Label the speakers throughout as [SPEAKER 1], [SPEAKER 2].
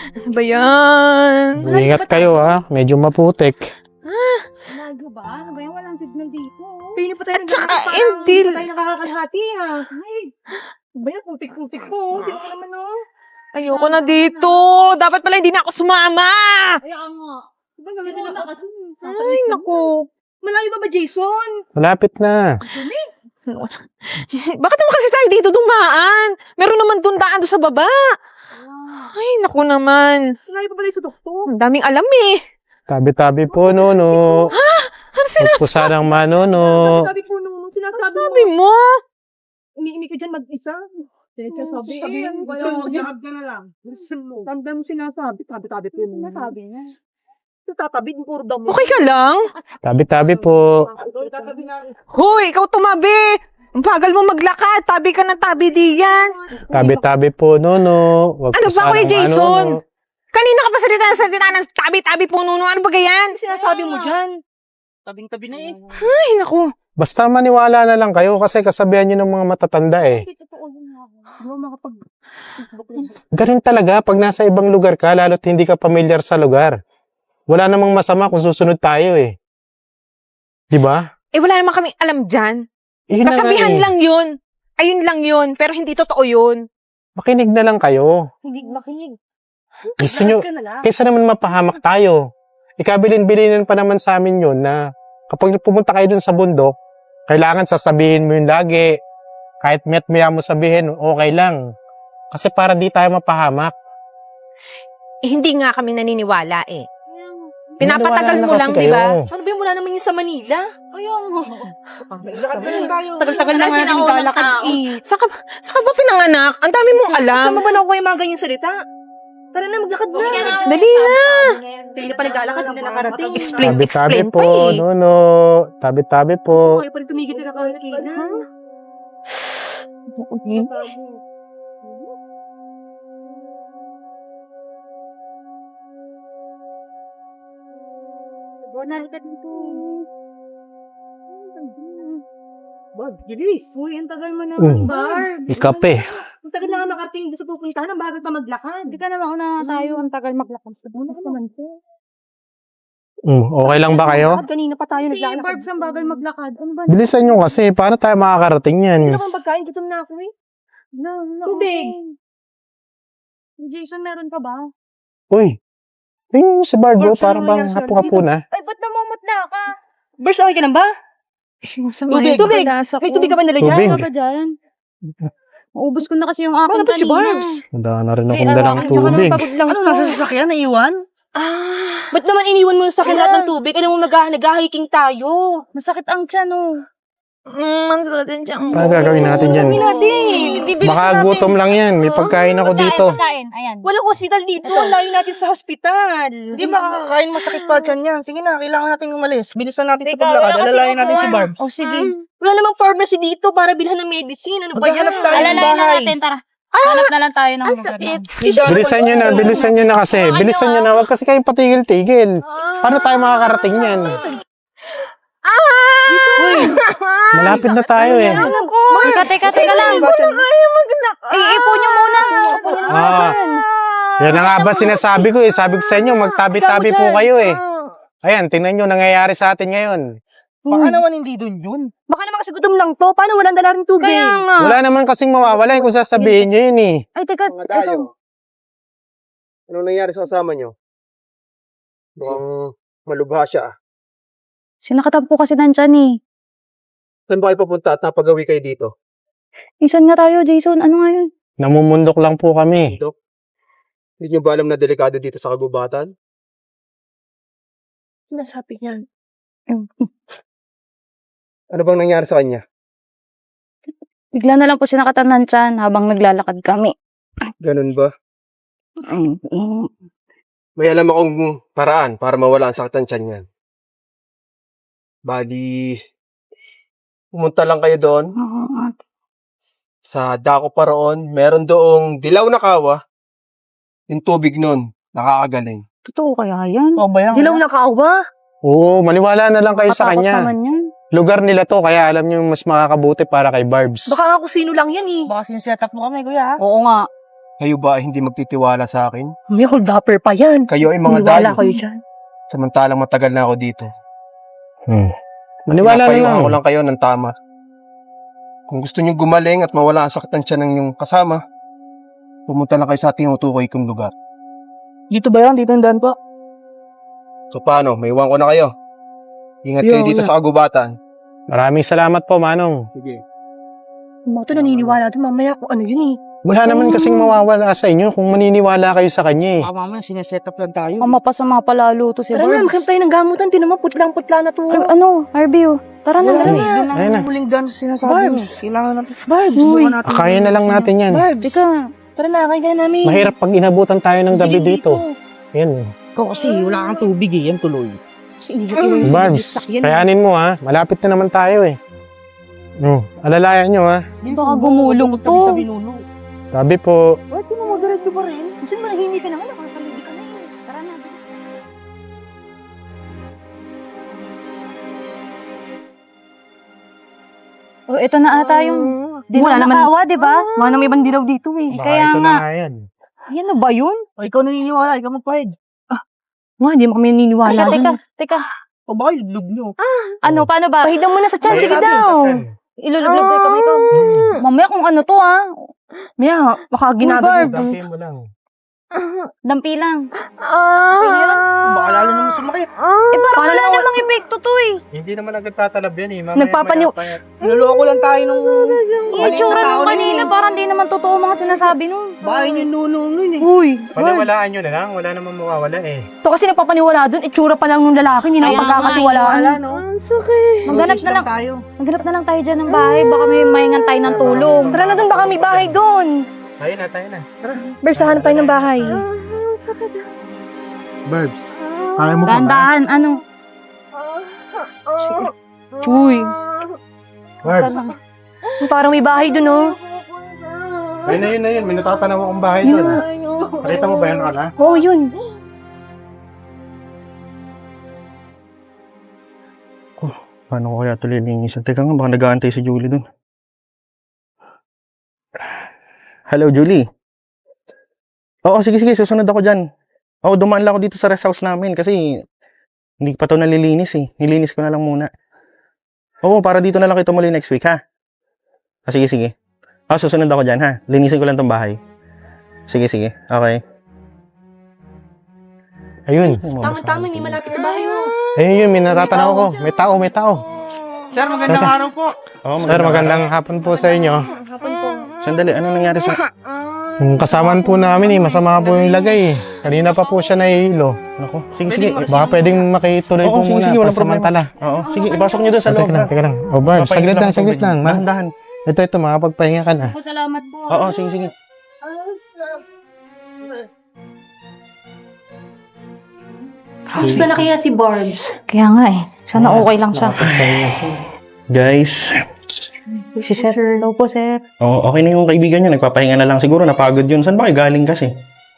[SPEAKER 1] Ano ba yan?
[SPEAKER 2] Ingat kayo ha, medyo maputik.
[SPEAKER 3] Lago ba? Ano ba yan? Walang signal dito. Pili pa tayo
[SPEAKER 1] At saka,
[SPEAKER 3] naglalakad,
[SPEAKER 1] hindi.
[SPEAKER 3] Hindi pa tayo nakakalahati ha. Ay, ano ba yan? Putik-putik po. Hindi ko naman oh.
[SPEAKER 1] Ayoko na dito. Dapat pala hindi na ako sumama.
[SPEAKER 3] Ay, nga. Diba gagawin na lakad?
[SPEAKER 1] Ay, naku.
[SPEAKER 3] Malayo ba Jason?
[SPEAKER 2] Malapit na.
[SPEAKER 1] Bakit naman kasi tayo dito dumaan? Meron naman doon daan doon sa baba. Ay, naku naman.
[SPEAKER 3] Malayo pa pala sa doktor.
[SPEAKER 1] Ang daming alam eh.
[SPEAKER 2] Tabi-tabi po, Nono.
[SPEAKER 1] Ano
[SPEAKER 2] Huwag
[SPEAKER 1] sinasabi?
[SPEAKER 2] po sanang manono.
[SPEAKER 3] Sabi ko nung
[SPEAKER 1] Ano
[SPEAKER 3] sinasabi
[SPEAKER 1] sabi
[SPEAKER 3] mo.
[SPEAKER 1] mo?
[SPEAKER 3] Umiimik ka dyan mag-isa. Teka, sabi yan. Mag-lakad ka na lang. Listen mo. Tanda mo sinasabi. Tabi-tabi ko yun. Sinasabi na. Tatabi, puro damo.
[SPEAKER 1] Okay ka lang?
[SPEAKER 2] Tabi-tabi po.
[SPEAKER 3] Tatabi na.
[SPEAKER 1] Hoy, ikaw tumabi. Ang bagal mo maglakad. Tabi ka ng tabi diyan.
[SPEAKER 2] Tabi-tabi po, Nono. Huwag
[SPEAKER 1] Ano
[SPEAKER 2] po
[SPEAKER 1] ba, Kuya
[SPEAKER 2] sanang
[SPEAKER 1] Jason?
[SPEAKER 2] manono.
[SPEAKER 1] Kanina ka pa salita ng tabi-tabi po nuno. Ano ba ganyan?
[SPEAKER 3] Sinasabi mo dyan. Tabing-tabi na eh.
[SPEAKER 1] Ay, naku.
[SPEAKER 2] Basta maniwala na lang kayo kasi kasabihan nyo ng mga matatanda eh.
[SPEAKER 3] Totoo yun nga. Hindi mo makapag...
[SPEAKER 2] Ganun talaga pag nasa ibang lugar ka, lalo't hindi ka pamilyar sa lugar. Wala namang masama kung susunod tayo eh. Di ba?
[SPEAKER 1] Eh, wala naman kaming alam dyan.
[SPEAKER 2] Yun na nga
[SPEAKER 1] Kasabihan
[SPEAKER 2] eh.
[SPEAKER 1] lang yun. Ayun lang yun. Pero hindi totoo yun.
[SPEAKER 2] Makinig na lang kayo.
[SPEAKER 3] Hindi makinig.
[SPEAKER 2] Gusto nyo,
[SPEAKER 3] Ka na lang.
[SPEAKER 2] kaysa naman mapahamak tayo. Ikabilin-bilinan pa naman sa amin yun na kapag pumunta kayo dun sa bundok, kailangan sasabihin mo yun lagi. Kahit met-maya mo sabihin, okay lang. Kasi para di tayo mapahamak.
[SPEAKER 1] Eh, hindi nga kami naniniwala eh.
[SPEAKER 2] Maniwala
[SPEAKER 1] Pinapatagal
[SPEAKER 2] na
[SPEAKER 1] mo
[SPEAKER 2] kasi
[SPEAKER 1] lang,
[SPEAKER 2] kayo.
[SPEAKER 1] di ba?
[SPEAKER 3] Ano ba yung wala naman yung sa Manila? Ayaw nga.
[SPEAKER 4] Tagal-tagal na nga natin lalakad eh.
[SPEAKER 1] Saka ba pinanganak? Ang dami mong alam.
[SPEAKER 3] Saan mo ba nakuha yung mga ganyang salita? Tara na, maglakad na.
[SPEAKER 1] Dali na.
[SPEAKER 3] Hindi pa naglalakad, hindi na nakarating.
[SPEAKER 1] Explain
[SPEAKER 2] Tabi-tabi
[SPEAKER 1] pa
[SPEAKER 2] po,
[SPEAKER 1] eh.
[SPEAKER 2] Nono. Tabi-tabi po.
[SPEAKER 3] Okay pa rin tumigil na kahit kailan. Narita dito. Bag, gilis. Uy, ang tagal mo naman, Barb.
[SPEAKER 2] Ikape.
[SPEAKER 3] Ang tagal na nga makarating doon sa pupuntahan. Ang bagal pa maglakad. Hindi ka naman una tayo. Ang tagal maglakad. Una ka naman po.
[SPEAKER 2] Okay lang ba kayo?
[SPEAKER 3] Kanina pa tayo
[SPEAKER 4] Si
[SPEAKER 3] naglalakad.
[SPEAKER 4] Barbs
[SPEAKER 3] ang bagal maglakad. Ano ba?
[SPEAKER 2] Bilisan nyo kasi. Paano tayo makakarating yan?
[SPEAKER 3] Hindi naman pagkain. Gutom na ako eh. Tubig. Jason, meron ka ba?
[SPEAKER 2] Uy. Tingnan nyo si Barbro.
[SPEAKER 3] Barbs,
[SPEAKER 2] Parang
[SPEAKER 3] ano
[SPEAKER 2] bang
[SPEAKER 3] nangyari sa
[SPEAKER 2] hapo-hapo na.
[SPEAKER 3] Ay, ba't namumutla ka? Bars, okay ka lang ba?
[SPEAKER 1] Tubig.
[SPEAKER 3] Tubig. May tubig ka ba nila dyan?
[SPEAKER 2] Tubig.
[SPEAKER 3] Ano ba dyan? Maubos ko na kasi yung aking kanina.
[SPEAKER 4] si Barbs?
[SPEAKER 2] Wala na rin akong dalang tubig.
[SPEAKER 3] Ano, nasa sasakyan? Naiwan? Ba't naman iniwan mo sa akin lahat ng tubig? Alam mo, nag-hiking tayo. Masakit ang tiyan, oh.
[SPEAKER 1] Mansakit din siya.
[SPEAKER 2] Ano gagawin natin dyan?
[SPEAKER 3] Kami natin.
[SPEAKER 2] Baka gutom lang yan. May pagkain ako dito.
[SPEAKER 4] Pagkain, ayan.
[SPEAKER 3] Walang hospital dito. Ang layo natin sa hospital.
[SPEAKER 5] Hindi makakakain, masakit pa dyan yan. Sige na, kailangan natin umalis. Bilisan natin ito
[SPEAKER 3] Teka,
[SPEAKER 5] paglakad.
[SPEAKER 3] wala kasi
[SPEAKER 5] Alalayan natin
[SPEAKER 3] upuan.
[SPEAKER 5] si Barb.
[SPEAKER 3] Oh, sige. Wala namang pharmacy dito para bilhan ng medicine. Ano ba yan?
[SPEAKER 5] Maghahanap tayo ng
[SPEAKER 4] Alalayan na
[SPEAKER 5] bahay.
[SPEAKER 4] natin, tara. Hanap na lang tayo ng lugar na.
[SPEAKER 2] Bilisan nyo na kasi. Bilisan nyo na. Huwag kasi kayong patigil-tigil. Paano tayo makakarating yan? Malapit na tayo eh.
[SPEAKER 4] Teka lang. Iipon nyo muna.
[SPEAKER 2] Yan na nga ba sinasabi ko eh. Sabi ko sa inyo, magtabi-tabi po kayo eh. Ayan, tingnan nyo, nangyayari sa atin ngayon.
[SPEAKER 5] Baka naman hindi dun yun.
[SPEAKER 3] Baka naman kasi gutom lang to. Paano walang dala rin tubig? Kaya nga.
[SPEAKER 2] Wala naman kasing mawawala kung sasabihin nyo yun eh.
[SPEAKER 3] Ay, teka.
[SPEAKER 6] Mga dayo. Anong nangyari sa kasama nyo? Mukhang malubha siya.
[SPEAKER 4] Sinakatab ko kasi nandyan eh.
[SPEAKER 6] Saan ba kayo papunta at napagawi kayo dito?
[SPEAKER 4] Isan nga tayo, Jason. Ano nga yun?
[SPEAKER 2] Namumundok lang po kami.
[SPEAKER 6] Dok? Hindi nyo ba alam na delikado dito sa kagubatan?
[SPEAKER 5] Nasabi niyan.
[SPEAKER 6] Ano bang nangyari sa kanya?
[SPEAKER 4] Bigla na lang po sinakatan nandyan habang naglalakad kami.
[SPEAKER 6] Ganun ba? May alam akong paraan para mawala ang sakit ng tiyan niyan. Bali, pumunta lang kayo doon. Sa dako pa roon, meron doong dilaw na kawa. Yung tubig nun, nakakagaling.
[SPEAKER 4] Totoo kaya yan?
[SPEAKER 5] Oo ba yan?
[SPEAKER 3] Dilaw na kawa.
[SPEAKER 2] Oo, maniwala na lang kayo sa
[SPEAKER 4] Matakot
[SPEAKER 2] kanya.
[SPEAKER 4] naman yan.
[SPEAKER 2] Lugar nila to, kaya alam nyo mas makakabuti para kay Barbs.
[SPEAKER 3] Baka nga kung sino lang yan eh.
[SPEAKER 5] Baka sineset up mo kami, kuya.
[SPEAKER 4] Oo nga.
[SPEAKER 6] Kayo ba ay hindi magtitiwala sa akin?
[SPEAKER 3] May hold-upper pa yan.
[SPEAKER 6] Kayo ay mga
[SPEAKER 3] Maniwala
[SPEAKER 6] dayo.
[SPEAKER 3] kayo dyan.
[SPEAKER 6] Samantalang matagal na ako dito.
[SPEAKER 2] Maniwala na
[SPEAKER 6] Pinapayuhan
[SPEAKER 2] lang.
[SPEAKER 6] ko lang kayo ng tama. Kung gusto niyo gumaling at mawala ang sakit ng tiyan ng inyong kasama, pumunta lang kayo sa tinutukoy kong lugar.
[SPEAKER 5] Dito ba yan? Dito yung daan po?
[SPEAKER 6] So paano? May iwan ko na kayo. Ingat kayo dito sa kagubatan.
[SPEAKER 2] Maraming salamat po, Manong.
[SPEAKER 6] Sige.
[SPEAKER 3] Mga to naniniwala din mamaya kung ano yun eh.
[SPEAKER 2] Wala naman kasing mawawala sa inyo kung maniniwala kayo sa kanya eh.
[SPEAKER 5] Mamaya, sineset up lang tayo.
[SPEAKER 4] Ang mapasama palalo to si
[SPEAKER 3] Tara na,
[SPEAKER 4] Barbs.
[SPEAKER 3] magkam tayo ng gamutan. Tinan mo, putlang-putla na to.
[SPEAKER 4] Harvey, oh. Tara na, tara na.
[SPEAKER 5] Doon lang
[SPEAKER 2] Ayun na.
[SPEAKER 5] ang huling daan sa sinasabi mo.
[SPEAKER 3] Barbs.
[SPEAKER 5] Kailangan natin.
[SPEAKER 3] Barbs,
[SPEAKER 5] Subukan natin.
[SPEAKER 2] Kaya na lang natin yan.
[SPEAKER 3] Barbs.
[SPEAKER 4] Ika,
[SPEAKER 3] Tara na, kaya namin.
[SPEAKER 2] Mahirap pag inabutan tayo ng gabi dito. Yan.
[SPEAKER 5] Ikaw kasi, wala kang tubig eh. Yan tuloy.
[SPEAKER 2] Barbs, kayanin mo ha. Malapit na naman tayo eh. Alalayan nyo ha.
[SPEAKER 4] baka gumulong to.
[SPEAKER 2] Sabi po,
[SPEAKER 3] Ba't di mo mag-resto pa rin? Gusto mo nahindi ka naman, nakakalindi ka na eh.
[SPEAKER 4] Tara na, bilis. Oh, ito na ata yung
[SPEAKER 3] Wala naman.
[SPEAKER 4] nakawa, di ba?
[SPEAKER 3] Wala naman ibang dilaw dito eh.
[SPEAKER 4] Kaya
[SPEAKER 2] ito
[SPEAKER 4] nga.
[SPEAKER 2] na nga yan.
[SPEAKER 4] Yan na ba yun?
[SPEAKER 5] O, ikaw naniniwala. Ikaw magpahid.
[SPEAKER 3] Mga, hindi mo kami naniniwala.
[SPEAKER 4] Teka.
[SPEAKER 5] O, baka ilublog nyo.
[SPEAKER 4] Ano, paano ba?
[SPEAKER 3] Pahidan mo na sa tiyan, sige daw.
[SPEAKER 4] Ilulublog ko ito, ikaw. Mamaya kung ano to,
[SPEAKER 3] Maya, baka ginagawa.
[SPEAKER 4] Barbs.
[SPEAKER 2] Dampiin mo lang.
[SPEAKER 4] Dampi lang.
[SPEAKER 5] Baka lalo naman sumakit.
[SPEAKER 4] Parang wala namang epekto to
[SPEAKER 2] Hindi naman agad tatalab yan eh.
[SPEAKER 3] Nagpapaniw-
[SPEAKER 5] Niloloko lang tayo nung...
[SPEAKER 4] Yung itsura nung kanina, parang di naman totoo mga sinasabi nun.
[SPEAKER 5] Bahay niyo nuno nun eh.
[SPEAKER 3] Uy,
[SPEAKER 2] Palawalaan nyo na lang. Wala namang mawawala eh.
[SPEAKER 3] ito kasi nagpapaniwala doon, itsura pa lang ng lalaki, hindi naman
[SPEAKER 4] Kaya nga,
[SPEAKER 3] pagkakatiwalaan.
[SPEAKER 5] Wala, no?
[SPEAKER 4] Maghanap na lang.
[SPEAKER 5] tayo.
[SPEAKER 4] Maghanap na lang tayo dyan ng bahay. Baka may maingan tayo ng tulong.
[SPEAKER 3] Tara na doon, baka may bahay doon.
[SPEAKER 2] Tayo na.
[SPEAKER 3] Barbs, hanap tayo ng bahay.
[SPEAKER 2] Barbs, kaya mo pa ba?
[SPEAKER 4] Dahan-dahan, ano?
[SPEAKER 3] Uy,
[SPEAKER 2] Barbs,
[SPEAKER 3] parang may bahay doon, oh.
[SPEAKER 2] ayun na yun. May natatanaw akong bahay
[SPEAKER 3] Yun
[SPEAKER 2] doon.
[SPEAKER 3] na.
[SPEAKER 2] Nakita mo ba yun, Kala?
[SPEAKER 3] Oo, yun.
[SPEAKER 6] Paano ko kaya ito lilinisan? Teka nga, baka nag-aantay si Julie dun. Hello, Julie. Oo, sige, susunod ako dyan. Oo, dumaan lang ako dito sa rest house namin kasi hindi pa ito nalilinis eh. Nilinis ko na lang muna. Oo, para dito na lang kita muli next week, ha? Sige. Susunod ako dyan, ha? Linisin ko lang tong bahay. Sige. Okay.
[SPEAKER 2] Ayun.
[SPEAKER 3] Tama-tama, hindi malapit na bahay, oh.
[SPEAKER 2] Ayun yun, may natatanaw ko. May tao.
[SPEAKER 5] Sir, magandang araw po.
[SPEAKER 6] Oo,
[SPEAKER 2] Sir, magandang hapon po sa inyo.
[SPEAKER 6] Sandali, ano nangyari sa...
[SPEAKER 2] Yung kasamaan po namin eh, masama po yung lagay eh. Kanina pa po siya nahihilo.
[SPEAKER 6] Naku, sige.
[SPEAKER 2] Baka pwedeng makituloy po
[SPEAKER 6] Oo,
[SPEAKER 2] muna.
[SPEAKER 6] sige, walang
[SPEAKER 2] Pansamantala.
[SPEAKER 6] Oo, sige, ipasok nyo dun sa loob.
[SPEAKER 2] Teka lang. O Barbs, saglit lang.
[SPEAKER 6] Dahan-dahan.
[SPEAKER 2] Ito, makapagpahinga ka na.
[SPEAKER 4] Salamat po.
[SPEAKER 6] Oo, sige.
[SPEAKER 3] Kamusta na kaya si Barbs?
[SPEAKER 4] Kaya nga Sana okay lang siya.
[SPEAKER 6] Guys,
[SPEAKER 3] Si Sir. Hello po, Sir.
[SPEAKER 6] okay na yung kaibigan niya. Nagpapahinga na lang siguro. Napagod yun. Saan ba kayo galing kasi?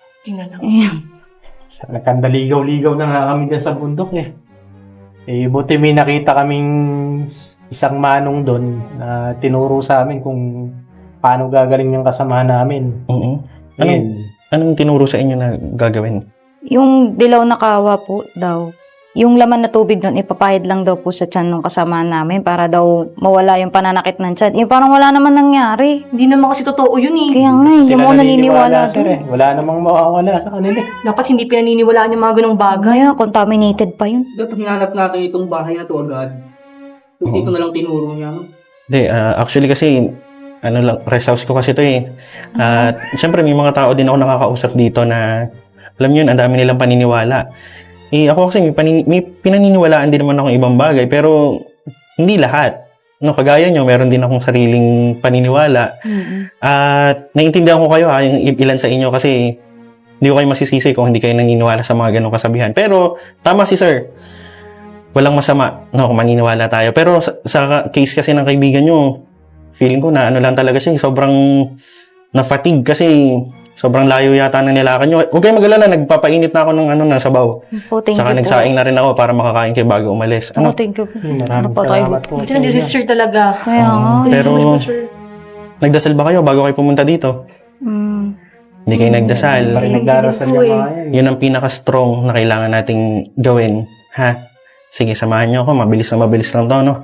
[SPEAKER 2] Nagkandaligaw-ligaw na nga kami dyan sa bundok eh. Buti may nakita kaming isang manong doon na tinuro sa amin kung paano gagaling yung kasama namin.
[SPEAKER 6] Oo.
[SPEAKER 2] Ayun.
[SPEAKER 6] Anong tinuro sa inyo na gagawin?
[SPEAKER 4] Yung dilaw na kawa po daw. Yung laman na tubig doon, ipapahid lang daw po sa tiyan ng kasama namin para daw mawala yung pananakit ng tiyan. Yung parang wala naman nangyari.
[SPEAKER 3] Hindi naman kasi totoo yun eh.
[SPEAKER 4] Kaya nga, hindi
[SPEAKER 2] Sila
[SPEAKER 4] mo naniniwala
[SPEAKER 2] sir
[SPEAKER 4] doon.
[SPEAKER 2] eh. Wala namang mawawala sa kanila.
[SPEAKER 3] Dapat hindi pinaniniwalaan yung mga ganong bagay.
[SPEAKER 4] Kaya, contaminated pa yun.
[SPEAKER 5] Dapat hinanap natin itong bahay na to agad. Ito na lang tinuro niya.
[SPEAKER 6] Hindi, actually kasi, rest house ko kasi to eh. At syempre may mga tao din ako nakakausap dito na, alam nyo yun, ang dami nilang paniniwala. Ako kasi may pinaniniwalaan din naman akong ibang bagay, pero hindi lahat. No, kagaya nyo, meron din akong sariling paniniwala. At naiintindihan ko kayo yung ilan sa inyo kasi hindi ko kayo masisisi kung hindi kayo naniniwala sa mga ganong kasabihan. Pero tama si sir. Walang masama, no, kung maniniwala tayo. Pero sa case kasi ng kaibigan nyo, feeling ko na lang talaga siya, sobrang na-fatigue kasi sobrang layo yata ng nilakan nyo. Huwag kayong mag-alala, nagpapainit na ako ng sabaw.
[SPEAKER 4] Po, thank
[SPEAKER 6] Saka
[SPEAKER 4] you po.
[SPEAKER 6] nagsaing na rin ako para makakain kayo bago umalis.
[SPEAKER 4] Oh, thank you po.
[SPEAKER 2] Maraming
[SPEAKER 4] Napatay
[SPEAKER 2] salamat po.
[SPEAKER 3] Ito na si Sister talaga.
[SPEAKER 4] Kaya nga.
[SPEAKER 6] Pero nagdasal ba kayo bago kayo pumunta dito? hindi kayo nagdasal.
[SPEAKER 2] Parang nagdarasal yung mga yan.
[SPEAKER 6] Yun ang pinaka-strong na kailangan nating gawin. Ha? Sige, samahan niyo ako. Mabilis lang to, no?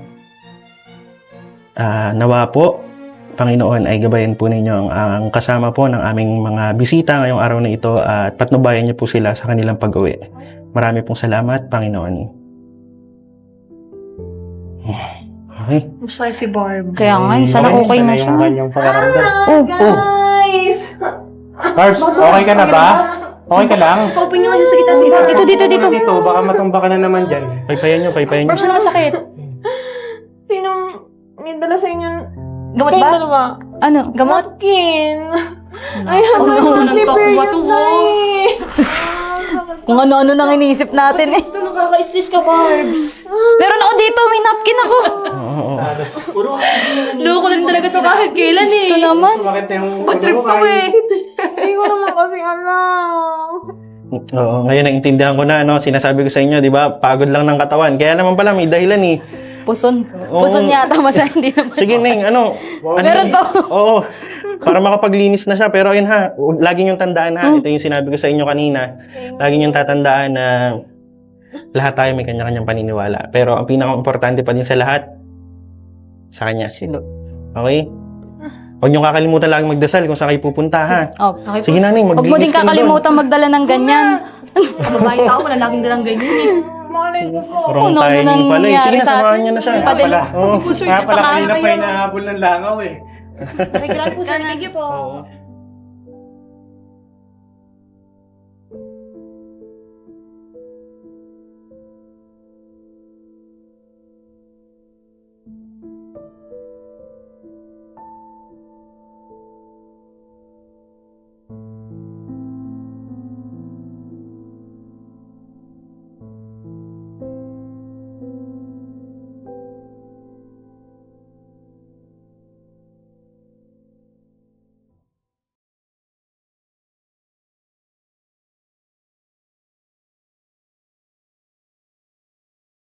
[SPEAKER 6] Nawa po, Panginoon, ay gabayan po ninyo ang kasama po ng aming mga bisita ngayong araw na ito at patnubayan niyo po sila sa kanilang pag-uwi. Marami pong salamat, Panginoon. Okay.
[SPEAKER 3] Masaya si Barb.
[SPEAKER 4] Kaya nga, sana okay na siya.
[SPEAKER 2] Yung kanyang pakaramdam.
[SPEAKER 1] Guys!
[SPEAKER 2] Carbs, okay ka na ba? Okay ka lang?
[SPEAKER 3] Open nyo nga dyan sa gitna.
[SPEAKER 4] Dito.
[SPEAKER 2] Dito, baka matumba ka na naman dyan.
[SPEAKER 6] Paypayan niyo.
[SPEAKER 4] Barbs, ano masakit?
[SPEAKER 1] Sinong may dala sa inyo?
[SPEAKER 4] Gamot
[SPEAKER 1] Kayong
[SPEAKER 4] ba?
[SPEAKER 1] dalawa?
[SPEAKER 4] Ano?
[SPEAKER 1] Gamot? Kin. I have my
[SPEAKER 4] no,
[SPEAKER 1] monthly period
[SPEAKER 4] nagtakuwa to,
[SPEAKER 1] na eh.
[SPEAKER 4] Kung ano-ano nang iniisip natin eh.
[SPEAKER 3] Ito, nakaka-stress ka, Barbs.
[SPEAKER 4] Meron ako dito, may napkin ako.
[SPEAKER 3] Loko lang talaga to kahit kailan eh.
[SPEAKER 4] Gusto naman.
[SPEAKER 2] Sumakit na yung
[SPEAKER 3] Trip to eh.
[SPEAKER 1] Hindi ko naman kasi alam.
[SPEAKER 6] Oo, ngayon naintindihan ko na, no? Sinasabi ko sa inyo, di ba? Pagod lang ng katawan. Kaya naman pala, may dahilan eh.
[SPEAKER 4] Puson.
[SPEAKER 6] Oo.
[SPEAKER 4] Puson yata, masa hindi naman.
[SPEAKER 6] Sige, Neng,
[SPEAKER 4] Meron to.
[SPEAKER 6] Oo. Para makapaglinis na siya. Pero ayun ha, lagi niyong tandaan ha. Ito yung sinabi ko sa inyo kanina. Lagi niyong tatandaan na lahat tayo may kanya-kanyang paniniwala. Pero ang pinaka-importante pa din sa lahat, sa kanya.
[SPEAKER 4] Silo.
[SPEAKER 6] Okay? Huwag niyong kakalimutan lagi magdasal kung saan kayo pupunta ha.
[SPEAKER 4] Oh.
[SPEAKER 6] Sige na, Neng,
[SPEAKER 4] Huwag mo
[SPEAKER 6] maglinis
[SPEAKER 4] din
[SPEAKER 6] ka na doon.
[SPEAKER 4] kakalimutan magdala ng ganyan.
[SPEAKER 3] Babae tao, wala laging dalang ganyan eh.
[SPEAKER 1] Malay ko po.
[SPEAKER 6] Wrong
[SPEAKER 4] Ano
[SPEAKER 6] timing pala eh. Sige
[SPEAKER 4] nangyari
[SPEAKER 6] na,
[SPEAKER 4] sa
[SPEAKER 6] samahan
[SPEAKER 4] atin?
[SPEAKER 6] niyo na siya.
[SPEAKER 4] Padala.
[SPEAKER 6] Oo.
[SPEAKER 2] Kaya pala kanina pa inahabol ng langaw eh.
[SPEAKER 3] Ay, grabe po, sir. Thank you po.
[SPEAKER 6] Oo.